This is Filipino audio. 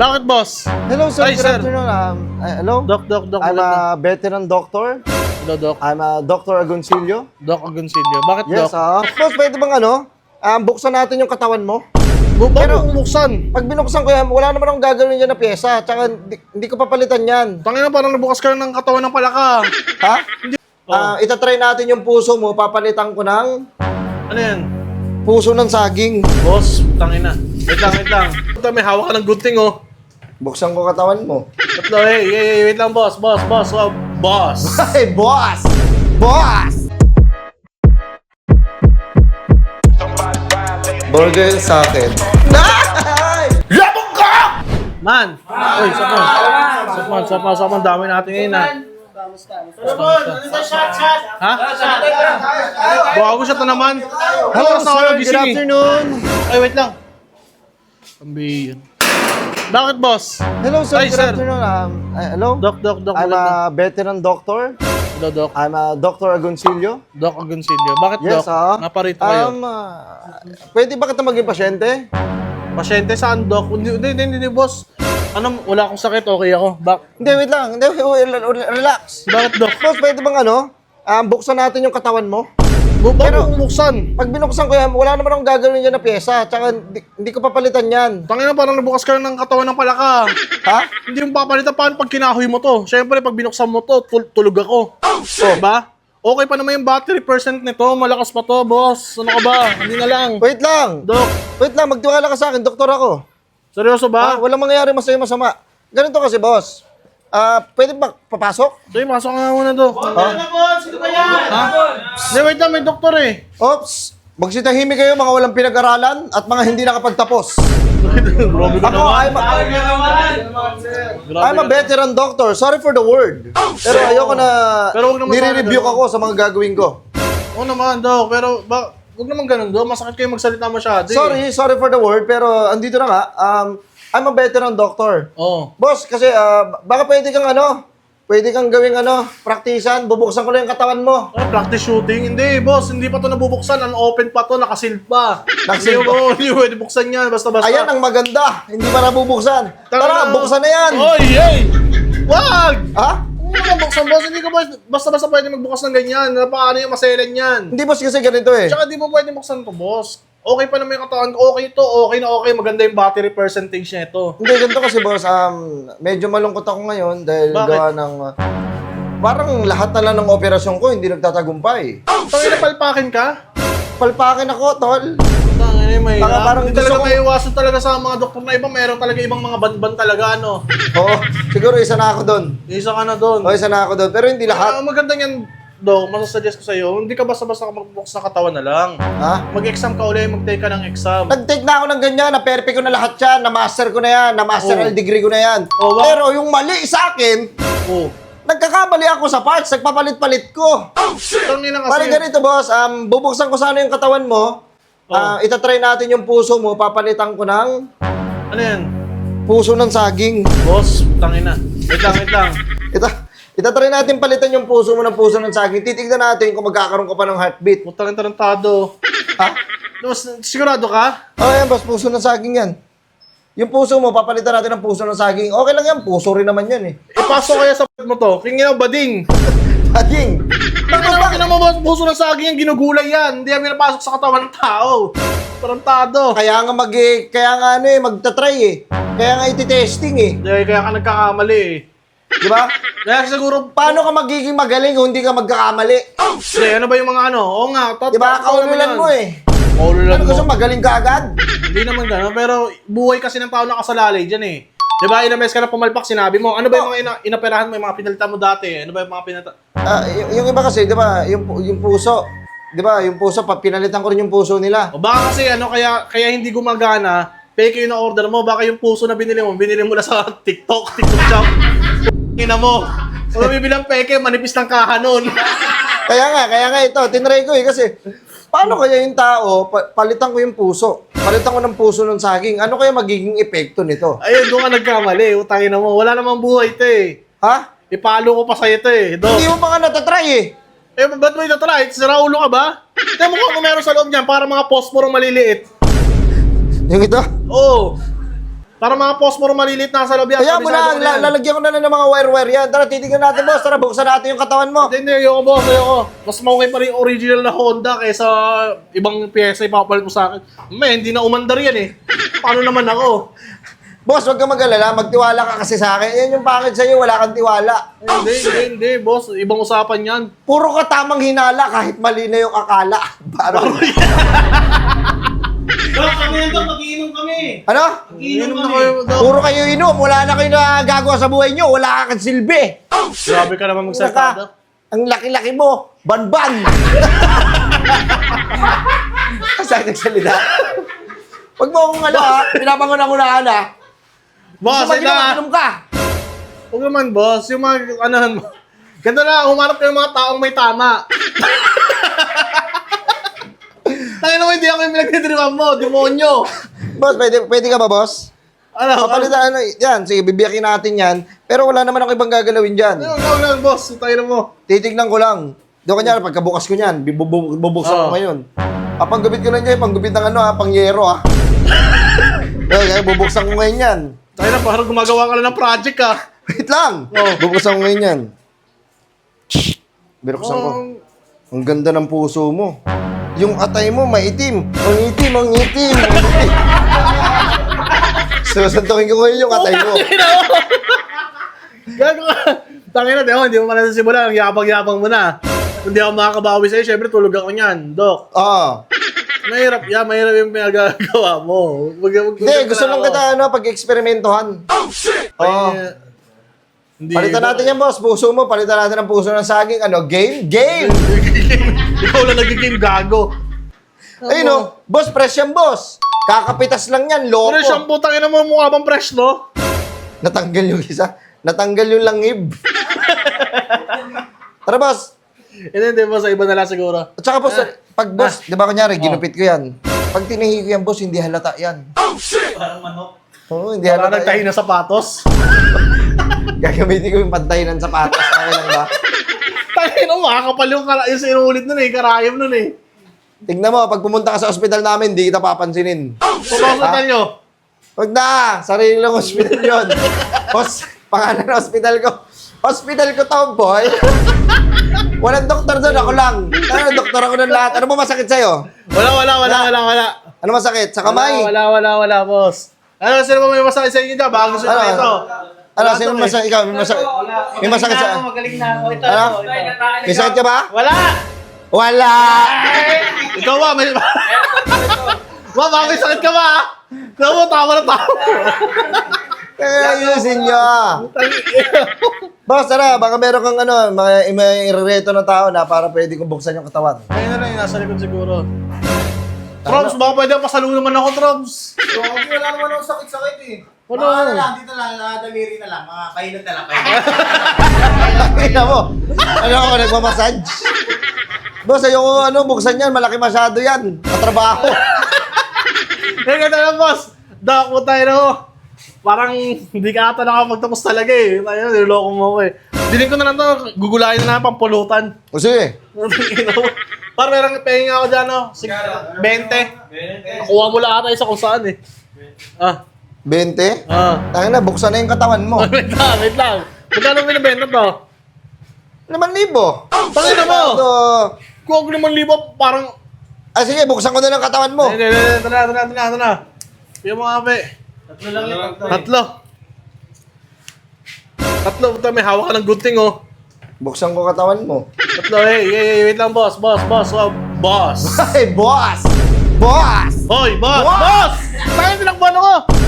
Bakit, boss? Hello, sir. Hi, Good sir. afternoon. Hello? Doc. I'm a veteran doctor. Hello, Doc. I'm a Dr. Agoncillo. Doc Agoncillo. Bakit, Yes, Doc? boss, pwede bang buksan natin yung katawan mo? Pero, bumuksan. Pag binuksan ko yan, wala naman akong gagawin dyan na pyesa. Tsaka hindi ko papalitan yan. Tangina, parang nabukas ka ng katawan ng palaka. Ha? Oh. Itatry natin yung puso mo, papalitan ko ng Ano yan? puso ng saging. Boss, tangina. Wait lang. Ito, may hawak ka ng gunting, oh. Buksan ko katawan mo. Tatlo, hey, wait lang, boss. Wow, boss. Hey, boss! Boss! Burger sa akin. Labog ka! Man! Uy, sapan. Dami natin ngayon, ha? Ha? Bago siya to naman. Hello, Oras na ako sir. nagising, Good eh. afternoon. Ay, wait lang. Ambi. Bakit, boss? Hello, sir. Hi, Good sir. afternoon. Hello? Doc. I'm a veteran doctor. Hello, Doc. I'm a Dr. Agoncillo. Doc Agoncillo. Bakit, Yes, Doc? Naparito kayo. Pwede ba kita maging pasyente? Pasyente saan, Doc? Hindi, boss. Wala akong sakit, okay ako. Hindi, wait lang. Hindi, relax. Bakit, Doc? Boss, pwede bang buksan natin yung katawan mo? Pero, bumuksan. Pag binuksan ko yan, wala naman akong gagawin dyan na pyesa. Tsaka hindi ko papalitan yan. Tangina, parang nabukas ka ng katawan ng palaka. Ha? Hindi mo papalitan, paano pag kinahoy mo to? Siyempre, pag binuksan mo to, tulog ako. Diba? Okay pa naman yung battery percent nito. Malakas pa to, boss. Ano ka ba? Hindi na lang. Wait lang. Doc, Wait lang, magtiwala ka sa akin. Doktor ako. seryoso ba? Walang mangyayari masama. Ganito kasi, boss. Pwede ba papasok? Sige, masok nga muna to. Ha? Hindi, wait lang, may doktor eh. Oops! Magsitahimik kayo mga walang pinag-aralan at mga hindi nakapagtapos. Grabe ka Ako, naman. I'm a veteran doctor. Sorry for the word. Pero ayoko na Pero huwag naman nire-review sana ako sa mga gagawin ko. Oo naman, Doc. Pero, huwag naman ganun, Doc. Masakit kayo magsalita masyado eh. Sorry for the word, pero andito na nga. I'm a veteran doctor. Oo. Boss, kasi baka pwede kang gawing praktisan, bubuksan ko lang yung katawan mo. Practice shooting? Hindi, boss. Hindi pa to nabubuksan. Unopen pa to. Nakasealed pa. Nakasealed pa? Hindi pwede buksan yan. Basta-basta. Ayan ang maganda, hindi pa nabubuksan. Tara, buksan na yan! Oy, hey! Wag! Ha? Hindi ka buksan, boss. Hindi ka basta-basta pwede magbukas ng ganyan. Paano yung maselan yan? Hindi boss kasi ganito eh. Tsaka di mo pwede buksan to, boss. Okay pa naman yung katawan. Okay to. Okay na okay. Maganda yung battery percentage niya ito. Hindi, ganito kasi boss, medyo malungkot ako ngayon dahil Bakit? gawa ng... parang lahat na lang ng operasyon ko hindi nagtatagumpay. Tangina, palpakin ka? Palpakin ako, tol. Tangina, may Parang hindi gusto talaga ko- may iwasan talaga sa mga doktor na iba. Meron talaga ibang mga ban talaga, ano. Oo, siguro isa na ako doon. Isa ka na doon. O, isa na ako doon. Pero hindi lahat. Maganda yan, Dok. Masasuggest ko sa'yo, hindi ka basta-basta magbubukas na katawan na lang. Ha? Mag-exam ka ulit, mag-take ka ng exam. Nag-take na ako ng ganyan, na-perfect ko na lahat yan, na-master ko na yan, na-masteral Oo. degree ko na yan. Oo, ba? Pero yung mali sa akin, Oh. nagkakamali ako sa parts, nagpapalit-palit ko. Tangina kasi. Parang ganito, boss, bubuksan ko sana yung katawan mo, itatry natin yung puso mo, papalitan ko ng Ano yan? puso ng saging. Boss, tangina. Wait lang. Itatry natin palitan yung puso mo ng puso ng saging. Titignan natin kung magkakaroon ka pa ng heartbeat. Putang tarantado. Ha? Boss, sigurado ka? Yan, boss, puso ng saging yan. Yung puso mo, papalitan natin ng puso ng saging. Okay lang yan, puso rin naman yan eh. Ipasok kaya sa mo to. Kingin bading. Saging! Tangina mo, puso ng saging yan, ginugulay yan. Hindi yan pinapasok sa katawan ng tao. Tarantado. Kaya nga magta-try eh. Kaya nga iti-testing eh. Kaya ka nagkakamali eh. Di ba? Kaya siguro, Paano ka magiging magaling kung hindi ka magkakamali? hindi, ano ba yung mga ano? Oo nga, Di ba? Kaululan mo eh. Kaululan Ano mo. gusto magaling ka agad? Hindi naman gano'n, pero buhay kasi ng tao nakasalalay dyan eh. Di ba, inames ka na pumalpak, sinabi mo, ano ba yung mga inaperahan mo, yung mga pinalitan mo dati? Ano ba yung mga Yung iba kasi, di ba, yung puso, di ba, yung puso, pinalitan ko rin yung puso nila. O baka kasi kaya hindi gumagana, fake yung na-order mo, baka yung puso na binili mo lang sa TikTok shop. Ina mo. Kung bibilang peke, manipis ng kaha nun. Kaya nga ito, tinry ko eh, kasi, paano kaya yung tao, palitan ko yung puso, palitan ko ng puso ng saging, ano kaya magiging epekto nito? Ayun, doon ka nagkamali. Utangin mo. Wala namang buhay ito eh. Ha? Ipalo ko pa sa'yo ito eh. Hindi mo pa nga natatry eh. Eh, ba't mo ito-try? Sira ulo ka ba? Tignan mo kung meron sa loob niyan para mga posporo maliliit. Yung ito? Oo. Para mga posporo maliliit na sa loob yan. Kaya mo na, lalagyan ko na lang ng mga wire-wire yan. Tara, titignan natin, boss. Tara, buksan natin yung katawan mo. Hindi, ayoko boss, ayoko. Mas maukay pa rin yung original na Honda kaysa ibang pyesa ipapalit mo sa akin. May, hindi na umandar yan eh. Paano naman ako? Boss, huwag ka mag-alala. Magtiwala ka kasi sa akin. Yan yung pangit sa'yo, wala kang tiwala. Hindi, boss. Ibang usapan yan. Puro ka tamang hinala kahit mali na yung akala. Parang... Dok, kami yan, Dok. Mag-iinom kami. Ano? Mag-iinom na kami. kayo, Dok. Puro kayo inom. Wala na kayo na gagawa sa buhay nyo. Wala kang silbi. Grabe ka naman magsalita. Ang laki-laki mo. Ban-ban. Kasi nagsalita. Huwag mo akong ha. Pinapangunahan ha. Boss, Gusto mag-inom ka. Huwag naman, boss. Yung mga, anahan mo. Ganda na, humarap ka ng mga taong may tama. Tayo naman, hindi ako yung pinagdidriman mo. Demonyo. Boss, pwede ka ba, boss? Ano? Papalitan, yan. Sige, bibiyakin natin yan. Pero wala naman ako ibang gagalawin dyan. Ano lang, boss. Tayo na mo. Titignan ko lang. Doon kanya, pagkabukas ko niyan, bubuksan ko ngayon. Panggupit ko lang dyan, panggupit ng pangyero Kaya bubuksan ko ngayon yan. Tayo na, parang gumagawa ka lang ng project ah. Wait lang! Oh. Bubuksan ko ngayon yan. Binuksan ko. Ang ganda ng puso mo. Yung atay mo, maitim. Ang itim, ang itim, ang itim. Susuntukin ko ngayon yung atay mo. Gago ka. Tangin na, hindi mo pala nasimulan. Ang yabang-yabang mo na. Hindi ako makakabawi sa'yo, syempre tulog ako niyan, Dok. Oo. Mahirap yung pinagagawa mo. Hindi, gusto lang kita pag-eksperimentohan. Oo. Palitan natin yan, boss. Puso mo, palitan natin ang puso ng saging. Game? Game! Ikaw lang nagiging gago. Ayun boss, fresh yan, boss. Kakapitas lang yan, loko. Pero shampoo, tangin na mo, mukha bang fresh, no? Natanggal yung isa. Natanggal yung langib. Tara, boss. Hindi, boss, iba na lang siguro. At saka, boss, pag boss, di ba kunyari, ginupit ko yan. Pag tinihi ko yan, boss, hindi halata yan. Parang manok. Oo, hindi Para halata nagtahi yan. na sapatos. Gagamitin ko yung pantay ng sapatos. Okay lang ba? Tangin na, makakapal yung sinulit nun eh, karayom nun eh. Tignan mo, pag pumunta ka sa ospital namin, hindi kita papansinin. Pupasuntan nyo. Huwag na! Sarili lang hospital yun. Boss, pangalan ng hospital ko. Hospital ko to, boy. Walang doktor doon, ako lang. Doktor ako ng lahat. Ano ba masakit sa'yo? Wala. Ano masakit? Sa kamay? Wala, boss. Ano, sino ba may masakit sa inyo dyan? Baka gusto nyo ito. Ano, sino masakit? Ikaw, may masakit sa... Magaling na ako. Ito, Ano? ito. May sakit ka ba? Wala! Wala! Ikaw ba? May... Ma, baka may sakit ka ba? Tama, tama na tama. Kaya ayusin nyo. Boss, tara, baka meron kang may irereto na tao na para pwede kong buksan yung katawan. Ayun na lang, nasa likod siguro. Trumps, baka pwede pasalungan naman ako, Trumps. Wala naman ako sakit-sakit eh. Wala. Mga na lang, dito lang, daliri na lang. Mga kainat na lang. Tingnan mo. Ano ako, nagmamassage? Boss, ayoko buksan yan. Malaki masyado yan. Katrabaho. Kaya ganda lang, boss. Dako tayo na ho. Parang hindi ka ata nakapagtapos talaga eh. Ayun, niloloko mo ako eh. Dinig ko na lang to, gugulayin na lang pampulutan. O sige. Parang merang pahinga ako dyan, no? 20. Nakuha mo lang ata isa kung saan eh. 20? Ah. Tangin na, buksan na yung katawan mo. Wait lang. Magkano binibenta to? 5,000. Tangin na mo! Ito. Kung 5,000, parang... Sige, buksan ko na ng katawan mo. Hindi. Ito na. Yung mga ape. Tatlo lang yun. Tatlo, puta, may hawak ka ng gunting, oh. Buksan ko katawan mo. Tatlo, hey, wait lang, boss. Ay, boss! Boss! Hoy, boss! Boss! Boss! Tayo, tinakbuhan ako!